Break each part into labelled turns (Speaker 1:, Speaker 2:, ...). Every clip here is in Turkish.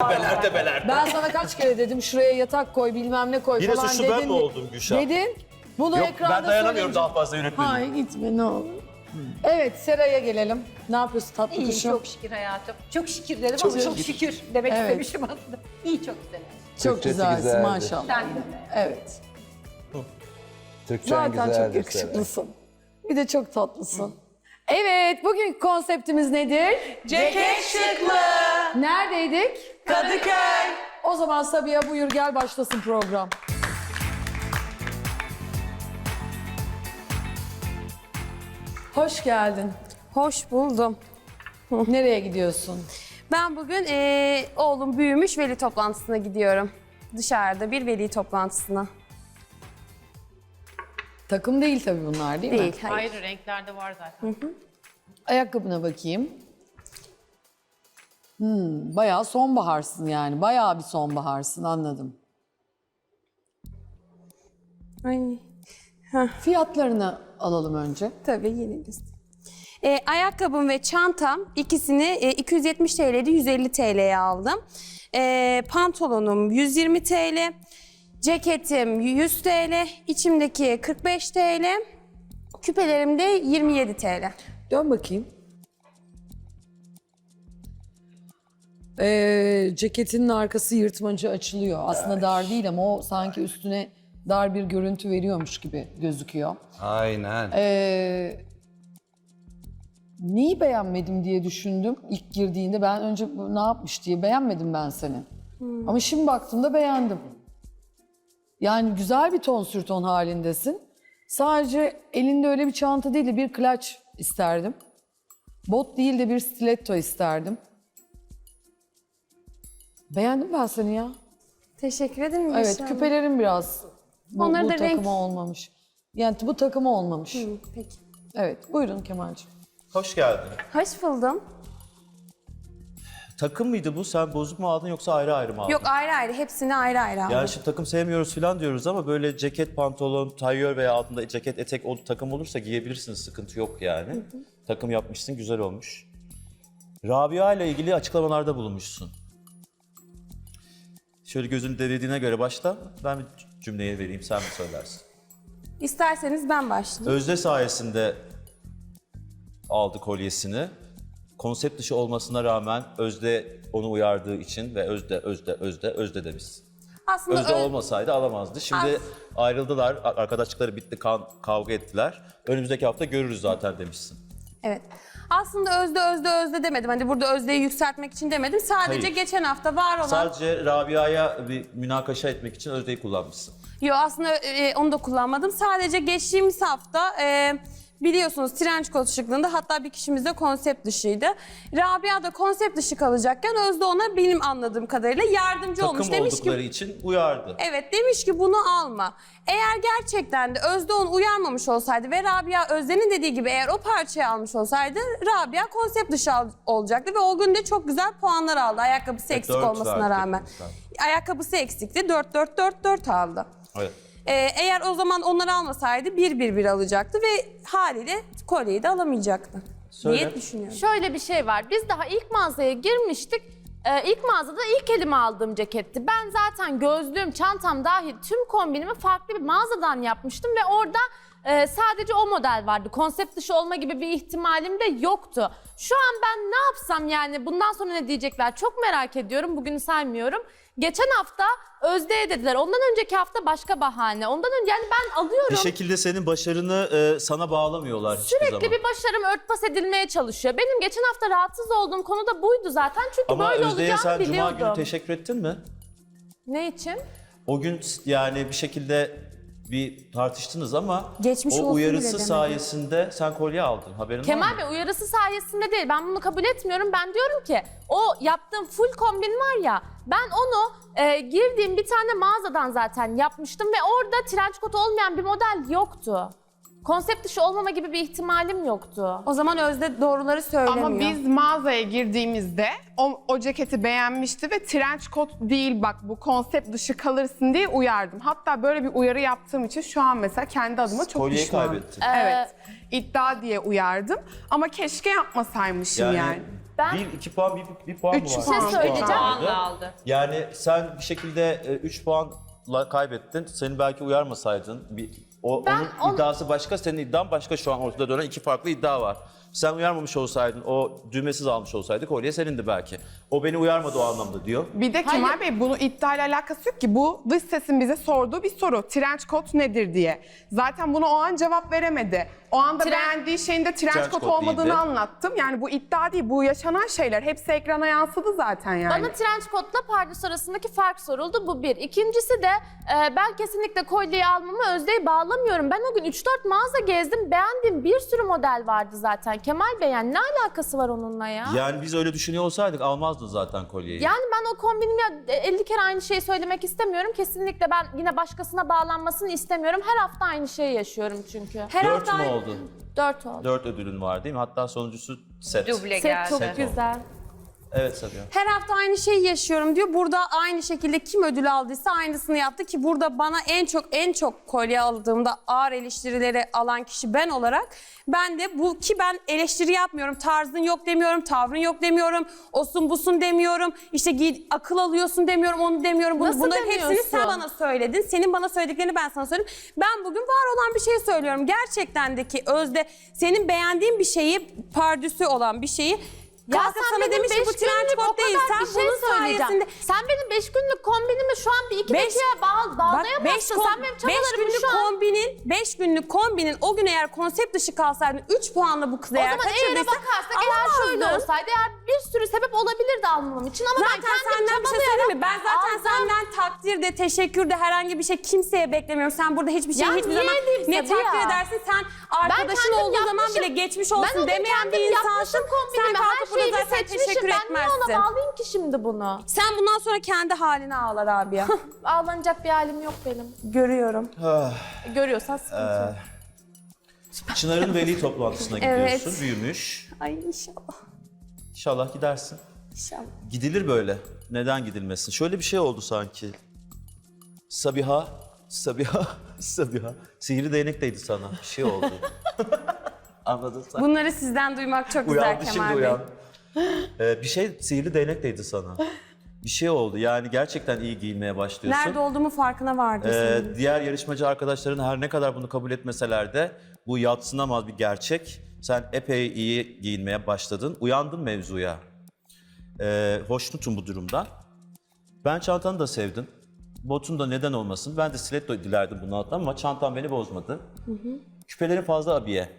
Speaker 1: Debeler.
Speaker 2: Ben sana kaç kere dedim şuraya yatak koy bilmem ne koy
Speaker 1: Yine
Speaker 2: falan
Speaker 1: suçlu
Speaker 2: dedin
Speaker 1: ben mi oldum Gülşah?
Speaker 2: Dedin. Bunu
Speaker 1: Yok
Speaker 2: ekranda
Speaker 1: ben dayanamıyorum
Speaker 2: söyleyince-
Speaker 1: daha fazla yönetmenim.
Speaker 2: Hayır gitme ne olur. Evet Seray'a gelelim. Ne yapıyorsun tatlı
Speaker 3: İyi,
Speaker 2: kuşum?
Speaker 3: çok şükür hayatım. Çok şükür dedim ama çok şükür demek
Speaker 2: Evet.
Speaker 3: istemişim aslında. İyi, çok güzel.
Speaker 2: Çok
Speaker 4: Türkçesi
Speaker 2: güzelsin
Speaker 4: güzeldir.
Speaker 2: maşallah.
Speaker 3: Sen de öyle.
Speaker 2: Evet.
Speaker 4: Türkçen
Speaker 2: Zaten
Speaker 4: güzeldir
Speaker 2: çok
Speaker 4: Seren.
Speaker 2: yakışıklısın. Bir de çok tatlısın. Evet, bugünkü konseptimiz nedir?
Speaker 5: Ceket şıklı.
Speaker 2: Neredeydik?
Speaker 5: Kadıköy.
Speaker 2: O zaman Sabiha buyur gel başlasın program. Hoş geldin.
Speaker 6: Hoş buldum.
Speaker 2: Nereye gidiyorsun?
Speaker 6: Ben bugün oğlum büyümüş veli toplantısına gidiyorum. Dışarıda bir veli toplantısına.
Speaker 2: Takım değil tabii bunlar değil mi?
Speaker 6: Değil, hayır.
Speaker 5: Hayır, renklerde var zaten.
Speaker 2: Ayakkabına bakayım. Bayağı sonbaharsın yani. Bayağı bir sonbaharsın anladım.
Speaker 6: Ay,
Speaker 2: Fiyatlarını alalım önce.
Speaker 6: tabii yine göstereyim. Ayakkabım ve çantam ikisini 270 TL'de 150 TL'ye aldım. Pantolonum 120 TL, ceketim 100 TL, içimdeki 45 TL, küpelerim de 27 TL.
Speaker 2: Dön bakayım. Ceketinin arkası yırtmacı açılıyor. Aslında dar değil ama o sanki üstüne dar bir görüntü veriyormuş gibi gözüküyor.
Speaker 4: Aynen.
Speaker 2: Neyi beğenmedim diye düşündüm ilk girdiğinde. Ben önce bu ne yapmış diye beğenmedim ben seni. Ama şimdi baktığımda beğendim. Yani güzel bir ton sür ton halindesin. Sadece elinde öyle bir çanta değil de bir klaç isterdim. Bot değil de bir stiletto isterdim. Beğendim ben seni ya.
Speaker 6: Teşekkür ederim.
Speaker 2: Evet,
Speaker 6: inşallah.
Speaker 2: küpelerin biraz bu
Speaker 6: Onları da renk-
Speaker 2: takıma olmamış. Yani bu takıma olmamış.
Speaker 6: Peki.
Speaker 2: Evet, buyurun Kemal'cığım.
Speaker 1: Hoş geldin.
Speaker 6: Hoş buldum.
Speaker 1: Takım mıydı bu? Sen bozuk mu aldın yoksa ayrı ayrı mı aldın?
Speaker 6: Yok ayrı ayrı, hepsini ayrı ayrı aldım.
Speaker 1: Yani şimdi takım sevmiyoruz falan diyoruz ama böyle ceket, pantolon, tayyör veya altında ceket, etek o takım olursa giyebilirsiniz. Sıkıntı yok yani. Takım yapmışsın, güzel olmuş. Rabia ile ilgili açıklamalarda bulunmuşsun. Şöyle gözünü dediğine göre başla. Ben bir cümleyi vereyim, sen mi söylersin?
Speaker 6: İsterseniz ben başlayayım.
Speaker 1: Özde sayesinde aldı kolyesini. Konsept dışı olmasına rağmen Özde onu uyardığı için ve Özde demişsin.
Speaker 6: Aslında
Speaker 1: Özde olmasaydı alamazdı. Şimdi ayrıldılar, arkadaşlıkları bitti, kavga ettiler. Önümüzdeki hafta görürüz zaten demişsin.
Speaker 6: Evet. Aslında özde demedim. Hani burada özdeyi yükseltmek için demedim. Sadece
Speaker 1: Hayır.
Speaker 6: geçen hafta var olan...
Speaker 1: Sadece Rabia'ya bir münakaşa etmek için Özde'yi kullanmışsın.
Speaker 6: Yo aslında onu da kullanmadım. Sadece geçtiğimiz hafta biliyorsunuz trench coat şıklığında hatta bir kişimiz de konsept dışıydı. Rabia da konsept dışı kalacakken Özde ona benim anladığım kadarıyla yardımcı olmuş.
Speaker 1: Takım
Speaker 6: Demiş
Speaker 1: oldukları
Speaker 6: ki
Speaker 1: için uyardı.
Speaker 6: evet demiş ki bunu alma. Eğer gerçekten de Özde onu uyarmamış olsaydı ve Rabia Özde'nin dediği gibi eğer o parçayı almış olsaydı Rabia konsept dışı olacaktı ve o gün de çok güzel puanlar aldı ayakkabısı eksik
Speaker 1: dört
Speaker 6: olmasına
Speaker 1: verdi
Speaker 6: rağmen.
Speaker 1: teknikten.
Speaker 6: Ayakkabısı eksikti 4-4-4-4 aldı.
Speaker 1: Evet.
Speaker 6: Eğer o zaman onları almasaydı 1-1-1 alacaktı ve haliyle kolyeyi de alamayacaktı
Speaker 1: Söyle.
Speaker 6: diye düşünüyorum.
Speaker 7: Şöyle bir şey var. Biz daha ilk mağazaya girmiştik. İlk mağazada ilk elime aldığım ceketti. Ben zaten gözlüğüm, çantam dahil tüm kombinimi farklı bir mağazadan yapmıştım ve orada sadece o model vardı. Konsept dışı olma gibi bir ihtimalim de yoktu. Şu an ben ne yapsam yani bundan sonra ne diyecekler çok merak ediyorum. Bugünü saymıyorum. Geçen hafta Özde'ye dediler. Ondan önceki hafta başka bahane. Ondan önce yani ben alıyorum.
Speaker 1: Bir şekilde senin başarını sana bağlamıyorlar hiçbir zaman.
Speaker 7: Sürekli bir başarım örtbas edilmeye çalışıyor. Benim geçen hafta rahatsız olduğum konu da buydu zaten. Çünkü
Speaker 1: Ama
Speaker 7: böyle
Speaker 1: Özde'ye
Speaker 7: olacağını
Speaker 1: sen Cuma
Speaker 7: biliyordum.
Speaker 1: günü teşekkür ettin mi?
Speaker 7: Ne için?
Speaker 1: O gün yani bir şekilde bir tartıştınız ama
Speaker 6: Geçmiş
Speaker 1: o
Speaker 6: olsun
Speaker 1: uyarısı
Speaker 6: bile demedim.
Speaker 1: sayesinde sen kolye aldın. Haberin var mı?
Speaker 7: Kemal Bey uyarısı sayesinde değil. Ben bunu kabul etmiyorum. Ben diyorum ki o yaptığım full kombin var ya ben onu girdiğim bir tane mağazadan zaten yapmıştım ve orada trench coat olmayan bir model yoktu. Konsept dışı olmama gibi bir ihtimalim yoktu.
Speaker 6: O zaman Özde doğruları söylemiyor.
Speaker 5: Ama biz mağazaya girdiğimizde o ceketi beğenmişti ve trench coat değil bak bu konsept dışı kalırsın diye uyardım. Hatta böyle bir uyarı yaptığım için şu an mesela kendi adıma çok
Speaker 1: Kolyeyi
Speaker 5: pişmanım.
Speaker 1: kaybettin.
Speaker 5: Evet. İddia diye uyardım ama keşke yapmasaymışım yani.
Speaker 7: Ben
Speaker 1: 2 puan, bir puan mı var?
Speaker 5: Üç
Speaker 1: Üç
Speaker 5: puan.
Speaker 1: puan
Speaker 7: söyleyeceğim.
Speaker 1: vardı.
Speaker 3: Puanla aldı.
Speaker 1: Yani sen bir şekilde 3 puanla kaybettin. Senin belki uyarmasaydın. Onun iddiası başka, senin iddian başka, şu an ortada dönen 2 farklı iddia var. Sen uyarmamış olsaydın, o düğmesiz almış olsaydı kolye senindi belki. O beni uyarmadı o anlamda diyor.
Speaker 5: Bir de Kemal Bey bunun iddiayla alakası yok ki. Bu dış sesin bize sorduğu bir soru. Trench coat nedir diye. Zaten bunu o an cevap veremedi. O anda beğendiği şeyin de trench
Speaker 1: Trench
Speaker 5: coat
Speaker 1: coat
Speaker 5: olmadığını
Speaker 1: değildi.
Speaker 5: anlattım. Yani bu iddia değil, bu yaşanan şeyler. Hepsi ekrana yansıdı zaten yani.
Speaker 7: Bana trench coat'la pardös arasındaki fark soruldu. Bu bir. İkincisi de ben kesinlikle kolyeyi almama Özde'yi bağlamıyorum. Ben o gün 3-4 mağaza gezdim. Beğendiğim bir sürü model vardı zaten. Kemal Bey yani ne alakası var onunla ya?
Speaker 1: Yani biz öyle düşünüyor olsaydık almazdın zaten kolyeyi.
Speaker 7: Yani ben o kombinimi 50 kere aynı şeyi söylemek istemiyorum. Kesinlikle ben yine başkasına bağlanmasını istemiyorum. Her hafta aynı şeyi yaşıyorum çünkü.
Speaker 6: Her
Speaker 1: 4
Speaker 6: hafta
Speaker 1: mü oldu?
Speaker 7: 4 oldu.
Speaker 1: 4 ödülün var değil mi? Hatta sonuncusu set.
Speaker 3: Duble
Speaker 7: Set
Speaker 3: geldi.
Speaker 7: çok
Speaker 1: Set
Speaker 7: güzel.
Speaker 1: Evet Sabiha.
Speaker 6: Her hafta aynı şeyi yaşıyorum diyor. Burada aynı şekilde kim ödül aldıysa aynısını yaptı ki burada bana en çok kolye aldığımda ağır eleştirileri alan kişi ben olarak ben de bu ki ben eleştiri yapmıyorum. Tarzın yok demiyorum, tavrın yok demiyorum, osun busun demiyorum. İşte akıl alıyorsun demiyorum, onu demiyorum.
Speaker 7: Nasıl
Speaker 6: Bunların hepsini
Speaker 7: demiyorsun?
Speaker 6: sen bana söyledin. Senin bana söylediklerini ben sana söyledim. Ben bugün var olan bir şey söylüyorum. Gerçekten de ki Özde senin beğendiğin bir şeyi, pardüsü olan bir şeyi kalkıp sana demiş ki bu trench coat değil. Sen bunun sayesinde...
Speaker 7: Sen benim 5 günlük kombinimi şu an bir iki dakikaya bağlayamazsın. Sen benim çabalarımı şu an...
Speaker 6: 5 günlük kombinin o gün eğer konsept dışı kalsaydın 3 puanla bu kızı
Speaker 7: O
Speaker 6: eğer
Speaker 7: zaman eğer
Speaker 6: kaçırdıysa
Speaker 7: bakarsak eğer şöyle olsaydı eğer bir sürü sebep olabilirdi almamam için ama ben
Speaker 6: Zaten
Speaker 7: kendim
Speaker 6: senden bir şey söyleyeyim mi? Ben zaten
Speaker 7: aldım.
Speaker 6: senden takdir de teşekkür de herhangi bir şey kimseye beklemiyorum. Sen burada hiçbir şey
Speaker 7: Ya
Speaker 6: hiçbir
Speaker 7: niye
Speaker 6: zaman
Speaker 7: edeyim
Speaker 6: ne
Speaker 7: Sabiha?
Speaker 6: takdir edersin. Sen arkadaşın
Speaker 7: kendim
Speaker 6: olduğu zaman
Speaker 7: yapmışım.
Speaker 6: bile geçmiş
Speaker 7: Ben o
Speaker 6: olsun
Speaker 7: gün
Speaker 6: demeyen bir
Speaker 7: kendim
Speaker 6: insansın.
Speaker 7: yapmışım
Speaker 6: Sen
Speaker 7: kombinimi, her
Speaker 6: kalkıp burada
Speaker 7: şeyi
Speaker 6: zaten
Speaker 7: seçmişim.
Speaker 6: teşekkür
Speaker 7: Ben niye
Speaker 6: etmezsin.
Speaker 7: ona bağlayayım ki şimdi bunu?
Speaker 6: Sen bundan sonra kendi haline ağla Rabia.
Speaker 7: Ağlanacak bir halim yok benim.
Speaker 6: Görüyorum.
Speaker 7: Görüyorsan sıkıntı yok.
Speaker 1: Çınar'ın veli toplantısına
Speaker 6: Evet.
Speaker 1: gidiyorsun. Büyümüş.
Speaker 6: Ay inşallah.
Speaker 1: İnşallah gidersin.
Speaker 6: İnşallah.
Speaker 1: Gidilir böyle. Neden gidilmesin? Şöyle bir şey oldu sanki. Sabiha. Sihirli değnek değdi sana. Bir şey oldu. Anladın sen.
Speaker 6: Bunları sizden duymak çok güzel
Speaker 1: Uyandı şimdi
Speaker 6: Kemal Bey.
Speaker 1: uyan. Bir şey sihirli değnek değdi sana. Bir şey oldu. Yani gerçekten iyi giyinmeye başlıyorsun.
Speaker 6: Nerede olduğumu farkına vardım senin.
Speaker 1: Diğer yarışmacı arkadaşların her ne kadar bunu kabul etmeseler de bu yadsınamaz bir gerçek. Sen epey iyi giyinmeye başladın. Uyandın mevzuya. Hoşnutum bu durumdan. Ben çantanı da sevdim. Botun da neden olmasın. Ben de stiletto dilerdim bunu alttan ama çantam beni bozmadı. Küpelerin fazla abiye.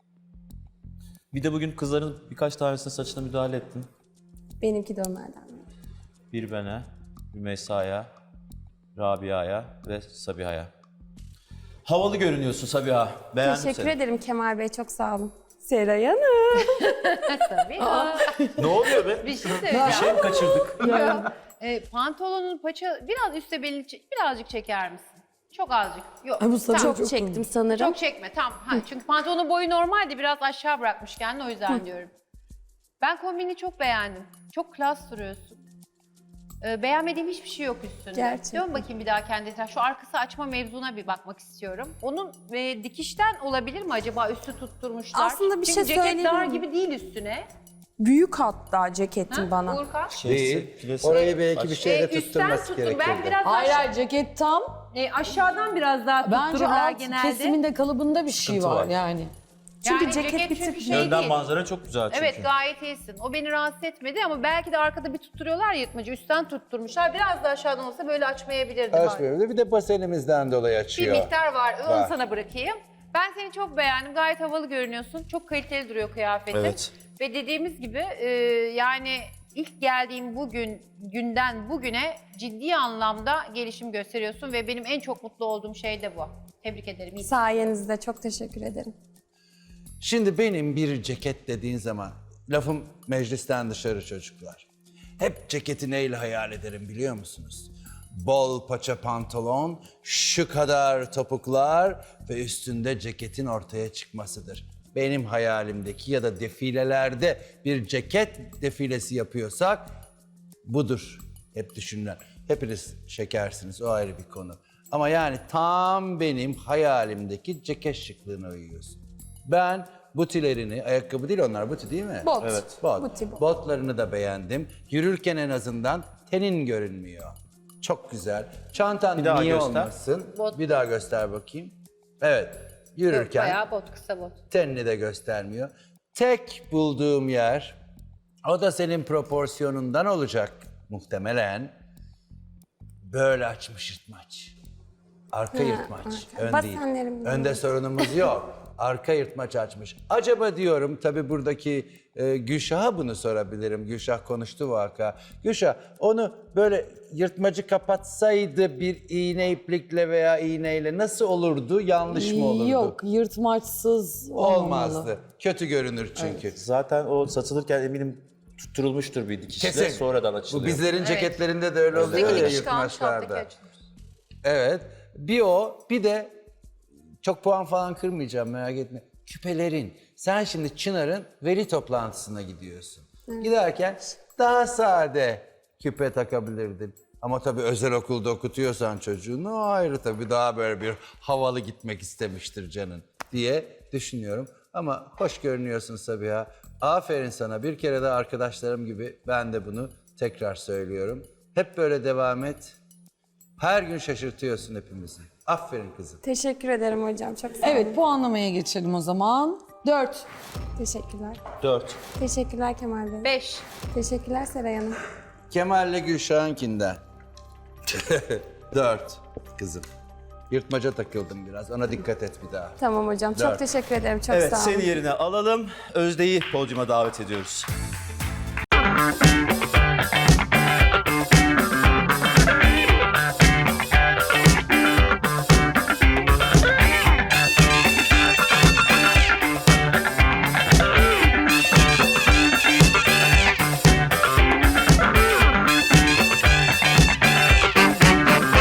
Speaker 1: Bir de bugün kızların birkaç tanesinin saçına müdahale ettin.
Speaker 6: Benimki de onlardan.
Speaker 1: Bir bana, Rümeysa'ya, Rabia'ya ve Sabiha'ya. Havalı görünüyorsun Sabiha. Beğendim
Speaker 6: Teşekkür
Speaker 1: seni.
Speaker 6: ederim Kemal Bey, çok sağ olun. Seray Hanım.
Speaker 3: Tabii.
Speaker 1: Ne oluyor be?
Speaker 3: Bir şey
Speaker 1: Bir
Speaker 3: söyleyeceğim.
Speaker 1: şey mi kaçırdık?
Speaker 3: Pantolonun paça biraz üstte belini birazcık çeker misin? Çok azıcık. Yok.
Speaker 2: Bu sana
Speaker 6: Çok çektim sanırım.
Speaker 3: Çok çekme tamam. Çünkü pantolonun boyu normaldi biraz aşağı bırakmış kendini o yüzden diyorum. Ben kombini çok beğendim. Çok klas duruyorsun. Beğenmediğim hiçbir şey yok üstünde.
Speaker 6: Gerçekten.
Speaker 3: Dön bakayım bir daha kendi etrafına. Şu arkası açma mevzuna bir bakmak istiyorum. Onun dikişten olabilir mi acaba üstü tutturmuşlar?
Speaker 6: Aslında bir
Speaker 3: Çünkü
Speaker 6: şey
Speaker 3: ceket
Speaker 6: söyleyebilir
Speaker 3: dar
Speaker 6: miyim?
Speaker 3: gibi değil üstüne.
Speaker 6: Büyük hatta ceketim bana.
Speaker 3: Uğurkan.
Speaker 4: Değil. Orayı belki bir şeyle
Speaker 3: Üstten
Speaker 4: tutturması
Speaker 3: tuttur. Ben
Speaker 4: gerekirdi.
Speaker 3: biraz
Speaker 2: Hayır
Speaker 3: aşağı,
Speaker 2: hayır ceket tam.
Speaker 3: aşağıdan biraz daha
Speaker 2: Bence
Speaker 3: tuttururlar
Speaker 2: alt
Speaker 3: genelde.
Speaker 2: kesiminde kalıbında bir şey
Speaker 1: Sıkıntı
Speaker 2: var
Speaker 1: var.
Speaker 2: yani.
Speaker 6: Çünkü
Speaker 3: Yani
Speaker 6: ceket bir
Speaker 3: çünkü
Speaker 6: tık-
Speaker 3: şey
Speaker 1: Önden
Speaker 3: değil.
Speaker 1: manzara çok güzel çünkü.
Speaker 3: Evet gayet iyisin. O beni rahatsız etmedi ama belki de arkada bir tutturuyorlar ya yırtmacı. Üstten tutturmuşlar. Biraz da aşağıdan olsa böyle açmayabilirdi.
Speaker 4: Açmıyor. Bir de basenimizden dolayı
Speaker 3: Bir
Speaker 4: açıyor.
Speaker 3: miktar var. Onu
Speaker 4: Var.
Speaker 3: sana bırakayım. Ben seni çok beğendim. Gayet havalı görünüyorsun. Çok kaliteli duruyor kıyafetin.
Speaker 1: Evet.
Speaker 3: Ve dediğimiz gibi yani ilk geldiğim günden bugüne ciddi anlamda gelişim gösteriyorsun ve benim en çok mutlu olduğum şey de bu. Tebrik ederim. İyi.
Speaker 6: Sayenizde çok teşekkür ederim.
Speaker 4: Şimdi benim bir ceket dediğin zaman lafım meclisten dışarı çocuklar. Hep ceketi neyle hayal ederim biliyor musunuz? Bol paça pantolon, şu kadar topuklar ve üstünde ceketin ortaya çıkmasıdır. Benim hayalimdeki ya da defilelerde bir ceket defilesi yapıyorsak budur hep düşünülen. Hepiniz şekersiniz, o ayrı bir konu. Ama yani tam benim hayalimdeki ceket şıklığına uyuyorsun. Ben Butilerini, ayakkabı değil onlar, buti değil mi?
Speaker 6: Bot.
Speaker 1: Evet.
Speaker 4: Bot.
Speaker 6: Buti bot.
Speaker 4: Botlarını da beğendim. Yürürken en azından tenin görünmüyor. Çok güzel. Çantan
Speaker 1: Bir daha
Speaker 4: niye
Speaker 1: göster.
Speaker 4: olmasın?
Speaker 3: Bot.
Speaker 4: Bir daha göster bakayım. Evet. Yürürken
Speaker 3: Bayağı bot, kısa bot.
Speaker 4: tenini de göstermiyor. Tek bulduğum yer, o da senin proporsiyonundan olacak muhtemelen. Böyle açmış yırtmaç. Arka yırtmaç.
Speaker 6: arka.
Speaker 4: Ön değil.
Speaker 6: Basenlerim
Speaker 4: Önde sorunumuz yok. Arka yırtmaç açmış. Acaba diyorum, tabii buradaki Gülşah'a bunu sorabilirim. Gülşah konuştu vaka. Gülşah onu böyle yırtmacı kapatsaydı bir iğne iplikle veya iğneyle nasıl olurdu? Yanlış mı olurdu?
Speaker 2: Yok, yırtmaçsız olmamalı.
Speaker 4: Olmazdı. Kötü görünür çünkü.
Speaker 1: Zaten o satılırken eminim tutturulmuştur bir dikişle.
Speaker 4: Kesin.
Speaker 1: Sonradan
Speaker 4: Bu
Speaker 1: açılıyor.
Speaker 4: bizlerin ceketlerinde de öyle oluyor ya
Speaker 3: Dikiş kalmış,
Speaker 4: yırtmaçlarda.
Speaker 3: alttaki açılmış.
Speaker 4: Evet. Bir o, bir de çok puan falan kırmayacağım, merak etme. Küpelerin. Sen şimdi Çınar'ın veli toplantısına gidiyorsun. Giderken daha sade küpe takabilirdin. Ama tabii özel okulda okutuyorsan çocuğunu o ayrı tabii, daha böyle bir havalı gitmek istemiştir canın diye düşünüyorum. Ama hoş görünüyorsun Sabiha. Aferin sana. Bir kere de arkadaşlarım gibi ben de bunu tekrar söylüyorum. Hep böyle devam et. Her gün şaşırtıyorsun hepimizi. Aferin kızım.
Speaker 6: Teşekkür ederim hocam. Çok sağ olun.
Speaker 2: Evet, puanlamaya geçelim o zaman. 4.
Speaker 6: Teşekkürler.
Speaker 1: 4.
Speaker 6: Teşekkürler Kemal Bey.
Speaker 3: 5.
Speaker 6: Teşekkürler Seray Hanım.
Speaker 4: Kemal'le Gülşah'ınkinden. 4 kızım. Yırtmaca takıldım biraz. Ona dikkat et bir daha.
Speaker 6: Tamam hocam. Çok
Speaker 4: Dört.
Speaker 6: teşekkür ederim. Çok
Speaker 1: Evet,
Speaker 6: sağ olun.
Speaker 1: seni yerine alalım. Özde'yi podyuma davet ediyoruz.